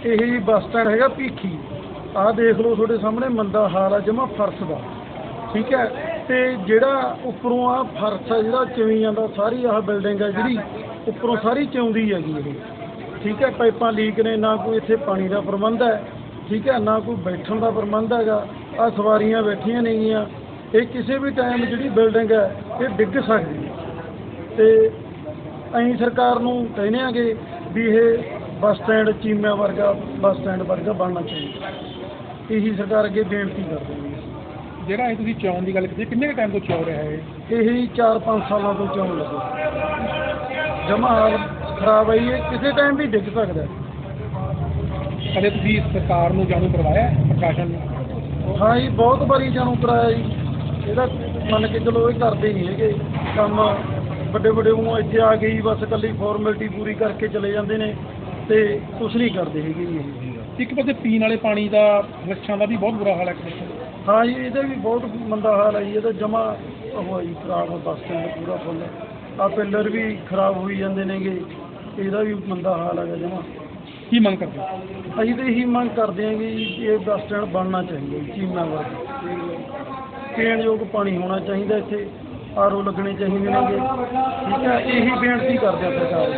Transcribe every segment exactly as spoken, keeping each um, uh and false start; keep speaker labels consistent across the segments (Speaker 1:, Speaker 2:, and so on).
Speaker 1: ਇਹ ਜੀ bus stand ਹੈਗਾ ਭੀਖੀ। ਆਹ ਦੇਖ ਲਓ ਤੁਹਾਡੇ ਸਾਹਮਣੇ ਮੰਦਾ ਹਾਲ ਆ ਜਮਾ ਫਰਸ਼ ਦਾ, ਠੀਕ ਹੈ। ਤੇ ਜਿਹੜਾ ਉੱਪਰੋਂ ਆ ਫਰਸ਼ ਆ ਜਿਹੜਾ ਚਿਵੇਂ ਜਾਂਦਾ, ਸਾਰੀ ਆਹ ਬਿਲਡਿੰਗ ਆ ਜਿਹੜੀ ਉੱਪਰੋਂ ਸਾਰੀ ਚਿਉਂਦੀ ਹੈਗੀ ਇਹ, ਠੀਕ ਹੈ। ਪਾਈਪਾਂ ਲੀਕ ਨੇ, ਨਾ ਕੋਈ ਇੱਥੇ ਪਾਣੀ ਦਾ ਪ੍ਰਬੰਧ ਹੈ, ਠੀਕ ਹੈ, ਨਾ ਕੋਈ ਬੈਠਣ ਦਾ ਪ੍ਰਬੰਧ ਹੈਗਾ। ਆਹ ਸਵਾਰੀਆਂ ਬੈਠੀਆਂ ਨੇਗੀਆਂ, ਇਹ ਕਿਸੇ ਵੀ ਟਾਈਮ ਜਿਹੜੀ ਬਿਲਡਿੰਗ ਹੈ ਇਹ ਡਿੱਗ ਸਕਦੀ ਹੈ। ਤੇ ਅਸੀਂ ਸਰਕਾਰ ਨੂੰ ਕਹਿੰਦੇ ਆਂਗੇ ਵੀ ਇਹ ਬੱਸ ਸਟੈਂਡ ਚੀਮਿਆਂ ਵਰਗਾ ਬੱਸ ਸਟੈਂਡ ਵਰਗਾ ਬਣਨਾ ਚਾਹੀਦਾ। ਇਹੀ ਸਰਕਾਰ ਅੱਗੇ ਬੇਨਤੀ ਕਰਦੇ ਹਾਂ।
Speaker 2: ਜਿਹੜਾ ਇਹ ਤੁਸੀਂ ਚੋਣ ਦੀ ਗੱਲ ਕੀਤੀ, ਕਿੰਨੇ ਕੁ ਟਾਈਮ ਤੋਂ ਚੋ ਰਿਹਾ ਹੈ
Speaker 1: ਇਹ? ਇਹੀ ਚਾਰ ਪੰਜ ਸਾਲਾਂ ਤੋਂ ਚੋਣ ਲੱਗੇ, ਜਮਾ ਹਾਲ ਖਰਾਬ ਹੈ। ਇਹ ਕਿਸੇ ਟਾਈਮ ਵੀ ਡਿੱਗ ਸਕਦਾ।
Speaker 2: ਕਦੇ ਤੁਸੀਂ ਸਰਕਾਰ ਨੂੰ ਜਾਣੂ ਕਰਵਾਇਆ, ਪ੍ਰਸ਼ਾਸਨ ਨੂੰ?
Speaker 1: ਹਾਂ ਜੀ, ਬਹੁਤ ਵਾਰੀ ਜਾਣੂ ਕਰਾਇਆ ਜੀ। ਇਹਦਾ ਮੰਨ ਕੇ ਚਲੋ ਇਹ ਕਰਦੇ ਨਹੀਂ ਹੈਗੇ ਕੰਮ। ਵੱਡੇ ਵੱਡੇ ਉਹ ਇੱਥੇ ਆ ਗਈ ਬਸ ਇਕੱਲੀ ਫਾਰਮੈਲਿਟੀ ਪੂਰੀ ਕਰਕੇ ਚਲੇ ਜਾਂਦੇ ਨੇ ਤੇ ਕੁਛ ਨਹੀਂ ਕਰਦੇ ਹੈਗੇ ਜੀ ਇਹ।
Speaker 2: ਇੱਕ ਪਾਸੇ ਪੀਣ ਵਾਲੇ ਪਾਣੀ ਦਾ, ਲੱਛਾਂ ਦਾ ਵੀ ਬਹੁਤ ਬੁਰਾ ਹਾਲ ਹੈ।
Speaker 1: ਹਾਂ ਜੀ, ਇਹਦਾ ਵੀ ਬਹੁਤ ਮੰਦਾ ਹਾਲ ਹੈ ਜੀ। ਇਹਦਾ ਜਮਾ ਉਹ ਜੀ ਖਰਾਬ ਬੱਸ ਸਟੈਂਡ ਪੂਰਾ ਫੁੱਲ। ਆਹ ਪਿੱਲਰ ਵੀ ਖਰਾਬ ਹੋਈ ਜਾਂਦੇ ਨੇਗੇ, ਇਹਦਾ ਵੀ ਮੰਦਾ ਹਾਲ ਹੈਗਾ ਜਮਾ।
Speaker 2: ਕੀ ਮੰਗ ਕਰਦੇ ਹੋ?
Speaker 1: ਅਸੀਂ ਤਾਂ ਇਹੀ ਮੰਗ ਕਰਦੇ ਹਾਂ ਕਿ ਇਹ ਬੱਸ ਸਟੈਂਡ ਬਣਨਾ ਚਾਹੀਦਾ ਜੀ ਚੀਮਾ ਵਰਗਾ। ਪੀਣ ਯੋਗ ਪਾਣੀ ਹੋਣਾ ਚਾਹੀਦਾ ਇੱਥੇ, ਆਰ ਓ ਲੱਗਣੇ ਚਾਹੀਦੇ ਨੇਗੇ, ਠੀਕ ਹੈ। ਇਹੀ ਬੇਨਤੀ ਕਰਦੇ ਹਾਂ ਸਰਕਾਰ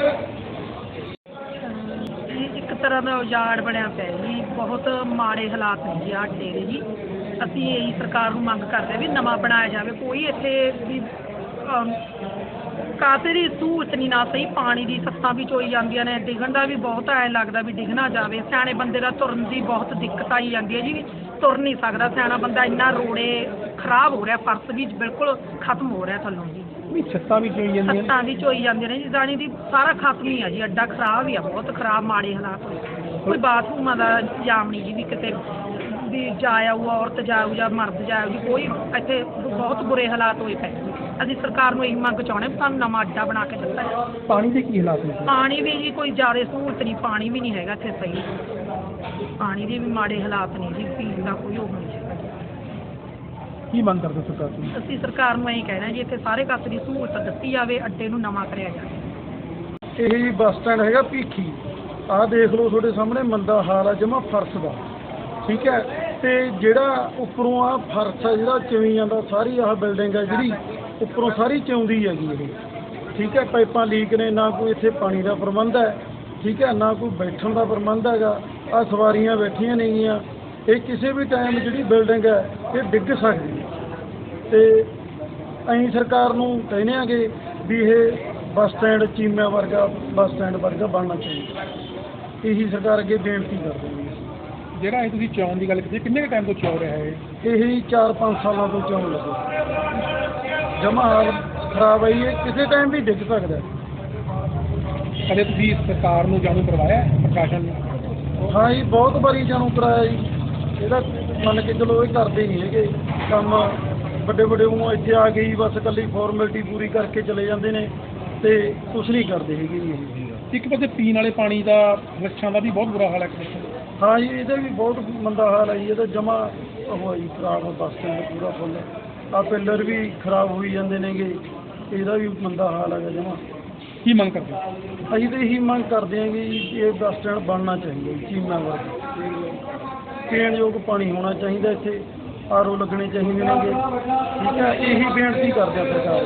Speaker 3: ਜੀ। ਇੱਕ ਤਰ੍ਹਾਂ ਦਾ ਉਜਾੜ ਬਣਿਆ ਪਿਆ ਜੀ, ਬਹੁਤ ਮਾੜੇ ਹਾਲਾਤ ਨੇ ਜੀ ਆਹ ਅੱਡੇ ਦੇ ਜੀ। ਅਸੀਂ ਇਹੀ ਸਰਕਾਰ ਨੂੰ ਮੰਗ ਕਰਦੇ ਹਾਂ ਵੀ ਨਵਾਂ ਬਣਾਇਆ ਜਾਵੇ। ਕੋਈ ਇੱਥੇ ਵੀ ਕਾਸੇ ਦੀ ਸਹੂਲਤ ਨਹੀਂ, ਨਾ ਸਹੀ ਪਾਣੀ ਦੀ ਸੱਤਾਂ ਵੀ ਚੋਈ ਜਾਂਦੀਆਂ ਨੇ, ਡਿੱਗਣ ਦਾ ਵੀ ਬਹੁਤ ਐਂ ਲੱਗਦਾ ਵੀ ਡਿੱਗ ਨਾ ਜਾਵੇ। ਸਿਆਣੇ ਬੰਦੇ ਦਾ ਤੁਰਨ ਦੀ ਬਹੁਤ ਦਿੱਕਤ ਆਈ ਜਾਂਦੀ ਹੈ ਜੀ, ਤੁਰ ਨਹੀਂ ਸਕਦਾ ਸਿਆਣਾ ਬੰਦਾ। ਇੰਨਾ ਰੋੜੇ ਖਰਾਬ ਹੋ ਰਿਹਾ, ਫਰਸ਼ ਵੀ ਬਿਲਕੁਲ ਖਤਮ ਹੋ ਰਿਹਾ ਥੱਲੋਂ ਜੀ।
Speaker 2: ਛੱਤਾਂ ਵੀ ਚੋਈ ਜਾਂਦੀਆਂ ਨੇ,
Speaker 3: ਛੱਤਾਂ ਵੀ ਚੋਈ ਜਾਂਦੀਆਂ ਨੇ ਜੀ। ਜਾਣੀ ਦੀ ਸਾਰਾ ਖਤਮ ਹੀ ਆ ਜੀ, ਅੱਡਾ ਖਰਾਬ ਹੀ ਆ, ਬਹੁਤ ਖਰਾਬ ਮਾੜੇ ਹਾਲਾਤ ਹੋਏ। ਕੋਈ ਬਾਥਰੂਮਾਂ ਦਾ ਇੰਤਜ਼ਾਮ ਨਹੀਂ ਜੀ, ਵੀ ਕਿਤੇ ਵੀ ਜਾ ਆਊ ਔਰਤ ਜਾਊ ਜਾਂ ਮਰਦ ਜਾਊ ਜੀ, ਕੋਈ ਇੱਥੇ ਬਹੁਤ ਬੁਰੇ ਹਾਲਾਤ ਹੋਏ ਪਏ। ਅਸੀਂ ਸਰਕਾਰ ਨੂੰ ਇਹੀ ਮੰਗ ਚਾਹੁੰਦੇ ਵੀ ਸਾਨੂੰ ਨਵਾਂ ਅੱਡਾ ਬਣਾ ਕੇ ਦਿੱਤਾ ਜਾਵੇ।
Speaker 2: ਪਾਣੀ ਦੇ ਕੀ ਹਾਲਾਤ ਨੇ?
Speaker 3: ਪਾਣੀ ਵੀ ਜੀ ਕੋਈ ਜ਼ਿਆਦਾ ਸਹੂਲਤ ਨਹੀਂ, ਪਾਣੀ ਵੀ ਨਹੀਂ ਹੈਗਾ ਇੱਥੇ ਸਹੀ। ਪਾਣੀ ਦੇ ਵੀ ਮਾੜੇ ਹਾਲਾਤ ਨੇ ਜੀ, ਪੀਣ ਦਾ ਕੋਈ ਉਹ ਨਹੀਂ ਹੈਗਾ।
Speaker 2: ਕੀ ਮੰਗ ਕਰਦੇ ਸਰਕਾਰ ਤੋਂ?
Speaker 3: ਅਸੀਂ ਸਰਕਾਰ ਨੂੰ ਇਹੀ ਕਹਿਣਾ ਜੀ ਇੱਥੇ ਸਾਰੇ ਕਾਸੇ ਦੀ ਸਹੂਲਤ ਦਿੱਤੀ ਜਾਵੇ, ਅੱਡੇ ਨੂੰ ਨਵਾਂ ਕਰਿਆ ਜਾਵੇ।
Speaker 1: ਇਹ ਜੀ ਬੱਸ ਸਟੈਂਡ ਹੈਗਾ ਭੀਖੀ। ਆਹ ਦੇਖ ਲਓ ਤੁਹਾਡੇ ਸਾਹਮਣੇ ਮੰਦਾ ਹਾਲ ਆ ਜਮਾ ਫਰਸ਼ ਦਾ, ਠੀਕ ਹੈ। ਤੇ ਜਿਹੜਾ ਉੱਪਰੋਂ ਆ ਫਰਸ਼ ਆ ਜਿਹੜਾ ਚਿਵੇਂ ਜਾਂਦਾ, ਸਾਰੀ ਆਹ ਬਿਲਡਿੰਗ ਆ ਜਿਹੜੀ ਉੱਪਰੋਂ ਸਾਰੀ ਚਿਉਂਦੀ ਹੈਗੀ ਇਹ, ਠੀਕ ਹੈ। ਪਾਈਪਾਂ ਲੀਕ ਨੇ, ਨਾ ਕੋਈ ਇੱਥੇ ਪਾਣੀ ਦਾ ਪ੍ਰਬੰਧ ਹੈ, ਠੀਕ ਹੈ, ਨਾ ਕੋਈ ਬੈਠਣ ਦਾ ਪ੍ਰਬੰਧ ਹੈਗਾ। ਆਹ ਸਵਾਰੀਆਂ ਬੈਠੀਆਂ ਨੇਗੀਆਂ, ਇਹ ਕਿਸੇ ਵੀ ਟਾਈਮ ਜਿਹੜੀ ਬਿਲਡਿੰਗ ਹੈ ਇਹ ਡਿੱਗ ਸਕਦੀ ਹੈ। ਤੇ ਅਸੀਂ ਸਰਕਾਰ ਨੂੰ ਕਹਿੰਦੇ ਆਂਗੇ ਵੀ ਇਹ ਬੱਸ ਸਟੈਂਡ ਚੀਮਿਆਂ ਵਰਗਾ ਬੱਸ ਸਟੈਂਡ ਵਰਗਾ ਬਣਨਾ ਚਾਹੀਦਾ। ਇਹੀ ਸਰਕਾਰ ਅੱਗੇ ਬੇਨਤੀ ਕਰਦੇ ਹਾਂ।
Speaker 2: ਜਿਹੜਾ ਇਹ ਤੁਸੀਂ ਚੋਣ ਦੀ ਗੱਲ ਕੀਤੀ, ਕਿੰਨੇ ਕੁ ਟਾਈਮ ਤੋਂ ਚੋ ਰਿਹਾ ਹੈ?
Speaker 1: ਇਹੀ ਚਾਰ ਪੰਜ ਸਾਲਾਂ ਤੋਂ ਚੋਣ ਲੱਗੇ, ਜਮਾ ਹਾਲ ਖਰਾਬ ਹੈ। ਇਹ ਕਿਸੇ ਟਾਈਮ ਵੀ ਡਿੱਗ ਸਕਦਾ।
Speaker 2: ਕਦੇ ਤੁਸੀਂ ਸਰਕਾਰ ਨੂੰ ਜਾਣੂ ਕਰਵਾਇਆ, ਪ੍ਰਸ਼ਾਸਨ ਨੂੰ?
Speaker 1: ਹਾਂ ਜੀ, ਬਹੁਤ ਵਾਰੀ ਜਾਣੂ ਕਰਾਇਆ ਜੀ। ਇਹਦਾ ਮੰਨ ਕੇ ਚਲੋ ਇਹ ਕਰਦੇ ਨਹੀਂ ਹੈਗੇ ਕੰਮ। ਵੱਡੇ ਵੱਡੇ ਉਹ ਇੱਥੇ ਆ ਗਈ ਬਸ ਇਕੱਲੀ ਫਾਰਮੈਲਿਟੀ ਪੂਰੀ ਕਰਕੇ ਚਲੇ ਜਾਂਦੇ ਨੇ ਤੇ ਕੁਛ ਨਹੀਂ ਕਰਦੇ ਹੈਗੇ ਜੀ ਇਹ।
Speaker 2: ਇੱਕ ਪਾਸੇ ਪੀਣ ਵਾਲੇ ਪਾਣੀ ਦਾ, ਲੱਛਾਂ ਦਾ ਵੀ ਬਹੁਤ ਬੁਰਾ ਹਾਲ ਹੈ।
Speaker 1: ਹਾਂ ਜੀ, ਇਹਦਾ ਵੀ ਬਹੁਤ ਮੰਦਾ ਹਾਲ ਹੈ ਜੀ। ਇਹਦਾ ਜਮਾ ਉਹ ਜੀ ਖਰਾਬ ਬੱਸ ਸਟੈਂਡ ਪੂਰਾ ਫੁੱਲ। ਆਹ ਪਿੱਲਰ ਵੀ ਖਰਾਬ ਹੋਈ ਜਾਂਦੇ ਨੇਗੇ, ਇਹਦਾ ਵੀ ਮੰਦਾ ਹਾਲ ਹੈਗਾ ਜਮਾ।
Speaker 2: ਕੀ ਮੰਗ ਕਰਦੇ ਹੋ?
Speaker 1: ਅਸੀਂ ਤਾਂ ਇਹੀ ਮੰਗ ਕਰਦੇ ਹਾਂ ਕਿ ਇਹ ਬੱਸ ਸਟੈਂਡ ਬਣਨਾ ਚਾਹੀਦਾ ਜੀ ਚੀਮਾ ਵਰਗਾ। ਪੀਣ ਯੋਗ ਪਾਣੀ ਹੋਣਾ ਚਾਹੀਦਾ ਇੱਥੇ, ਆਰ ਓ ਲੱਗਣੇ ਚਾਹੀਦੇ ਨੇਗੇ, ਠੀਕ ਹੈ। ਇਹੀ ਬੇਨਤੀ ਕਰਦੇ ਹਾਂ ਸਰਕਾਰ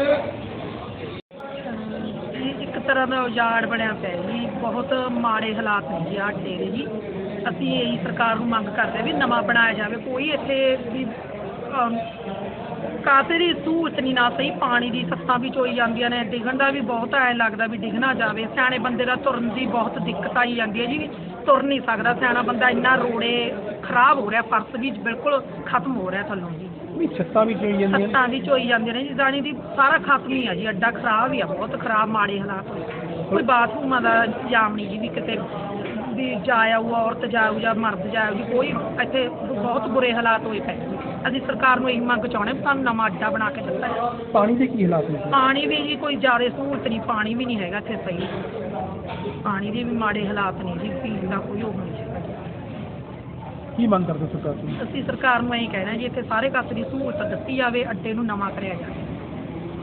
Speaker 3: ਜੀ। ਇੱਕ ਤਰ੍ਹਾਂ ਦਾ ਉਜਾੜ ਬਣਿਆ ਪਿਆ ਜੀ, ਬਹੁਤ ਮਾੜੇ ਹਾਲਾਤ ਨੇ ਜੀ ਆਹ ਅੱਡੇ ਦੇ ਜੀ। ਅਸੀਂ ਇਹੀ ਸਰਕਾਰ ਨੂੰ ਮੰਗ ਕਰਦੇ ਹਾਂ ਵੀ ਨਵਾਂ ਬਣਾਇਆ ਜਾਵੇ। ਕੋਈ ਇੱਥੇ ਵੀ ਕਾਸੇ ਦੀ ਸਹੂਲਤ ਨਹੀਂ, ਨਾ ਸਹੀ ਪਾਣੀ ਦੀ ਸੱਤਾਂ ਵੀ ਚੋਈ ਜਾਂਦੀਆਂ ਨੇ, ਡਿੱਗਣ ਦਾ ਵੀ ਬਹੁਤ ਐਂ ਲੱਗਦਾ ਵੀ ਡਿੱਗ ਨਾ ਜਾਵੇ। ਸਿਆਣੇ ਬੰਦੇ ਦਾ ਤੁਰਨ ਦੀ ਬਹੁਤ ਦਿੱਕਤ ਆਈ ਜਾਂਦੀ ਹੈ ਜੀ, ਤੁਰ ਨਹੀਂ ਸਕਦਾ ਸਿਆਣਾ ਬੰਦਾ। ਇੰਨਾ ਰੋੜੇ ਖਰਾਬ ਹੋ ਰਿਹਾ, ਫਰਸ਼ ਵੀ ਬਿਲਕੁਲ ਖਤਮ ਹੋ ਰਿਹਾ ਥੱਲੋਂ ਜੀ।
Speaker 2: ਛੱਤਾਂ ਵੀ ਚੋਈ ਜਾਂਦੀਆਂ ਨੇ,
Speaker 3: ਛੱਤਾਂ ਵੀ ਚੋਈ ਜਾਂਦੀਆਂ ਨੇ ਜੀ। ਜਾਣੀ ਦੀ ਸਾਰਾ ਖਤਮ ਹੀ ਆ ਜੀ, ਅੱਡਾ ਖਰਾਬ ਹੀ ਆ, ਬਹੁਤ ਖਰਾਬ ਮਾੜੇ ਹਾਲਾਤ ਹੋਏ। ਕੋਈ ਬਾਥਰੂਮਾਂ ਦਾ ਇੰਤਜ਼ਾਮ ਨਹੀਂ ਜੀ, ਵੀ ਕਿਤੇ ਵੀ ਜਾ ਆਊ ਔਰਤ ਜਾਊ ਜਾਂ ਮਰਦ ਜਾਊ ਜੀ, ਕੋਈ ਇੱਥੇ ਬਹੁਤ ਬੁਰੇ ਹਾਲਾਤ ਹੋਏ ਪਏ। ਅਸੀਂ ਸਰਕਾਰ ਨੂੰ ਇਹੀ ਮੰਗ ਚਾਹੁੰਦੇ ਵੀ ਸਾਨੂੰ ਨਵਾਂ ਅੱਡਾ ਬਣਾ ਕੇ ਦਿੱਤਾ ਜਾਵੇ।
Speaker 2: ਪਾਣੀ ਦੇ ਕੀ ਹਾਲਾਤ ਨੇ? ਪਾਣੀ
Speaker 3: ਵੀ ਜੀ ਕੋਈ ਜ਼ਿਆਦਾ ਸਹੂਲਤ ਨਹੀਂ, ਪਾਣੀ ਵੀ ਨਹੀਂ ਹੈਗਾ ਇੱਥੇ ਸਹੀ। ਪਾਣੀ ਦੇ ਵੀ ਮਾੜੇ ਹਾਲਾਤ ਨੇ ਜੀ, ਪੀਣ ਦਾ ਕੋਈ ਉਹ ਨਹੀਂ ਹੈਗਾ।
Speaker 2: ਕੀ ਮੰਗ ਕਰਦੇ ਸਰਕਾਰ ਤੋਂ?
Speaker 3: ਅਸੀਂ ਸਰਕਾਰ ਨੂੰ ਇਹੀ ਕਹਿਣਾ ਜੀ ਇੱਥੇ ਸਾਰੇ ਕਾਸੇ ਦੀ ਸਹੂਲਤ ਦਿੱਤੀ ਜਾਵੇ, ਅੱਡੇ ਨੂੰ ਨਵਾਂ ਕਰਿਆ ਜਾਵੇ।